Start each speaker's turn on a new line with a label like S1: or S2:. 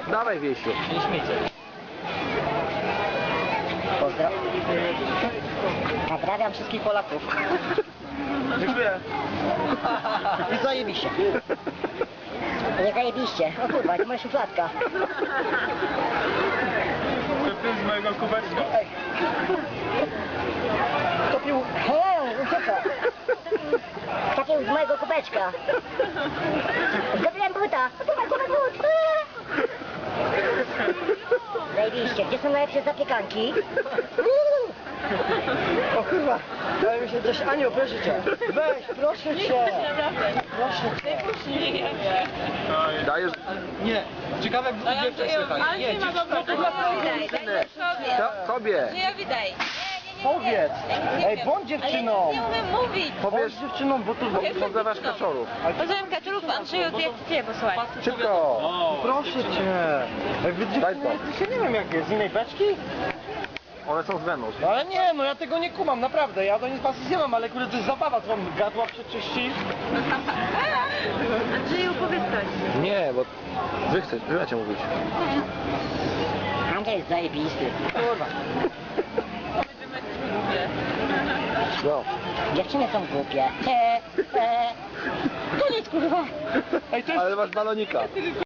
S1: Dawaj, Wiesiu.
S2: Nie śmiejcie.
S3: Pozdrawiam wszystkich Polaków.
S1: Dziękuję.
S3: I zajebiście. Nie zajebiście. O kurwa, to moja szufladka.
S1: To jest z mojego kubeczka.
S3: Kto pił... Hej, ucieka. Kto pił z mojego kubeczka. Zdobyłem buta. Zdobyłem but. Zajebiście. Gdzie są najlepsze zapiekanki?
S2: O kurwa, daj mi się coś, Aniu, proszę cię. Weź, proszę cię. Proszę cię.
S1: Dajesz...
S2: Nie, ciekawe jak dziewczę słychać.
S4: Ale nie ma dobrego
S1: Tobie.
S4: Nie, widać.
S2: Powiedz. Ej, bądź dziewczyną.
S4: Nie umiem mówić.
S1: Powiesz,
S2: Bądź dziewczyną, bo tu...
S1: pozdrawiasz kaczorów.
S4: Pozdrawiam kaczorów, Andrzeju, jak cię posłuchaj.
S1: Szybko.
S2: Proszę cię. Jak wy
S1: Daj
S2: dziewczyny
S1: to.
S2: jesteście, nie wiem jak jest, z innej beczki?
S1: One są z Wenus.
S2: No ale nie, no ja tego nie kumam, naprawdę. Ja do nic pasji nie mam, ale kurde to jest zabawa, co wam gadła przeczyści.
S4: Andrzeju, powiedz coś.
S1: Nie, bo... Wy macie mówić.
S3: Andrzej jest zajebisty.
S2: Kurwa.
S1: No.
S3: Dziewczyny są głupie. Koniec kurwa.
S2: Ej, to jest...
S1: Ale masz balonika.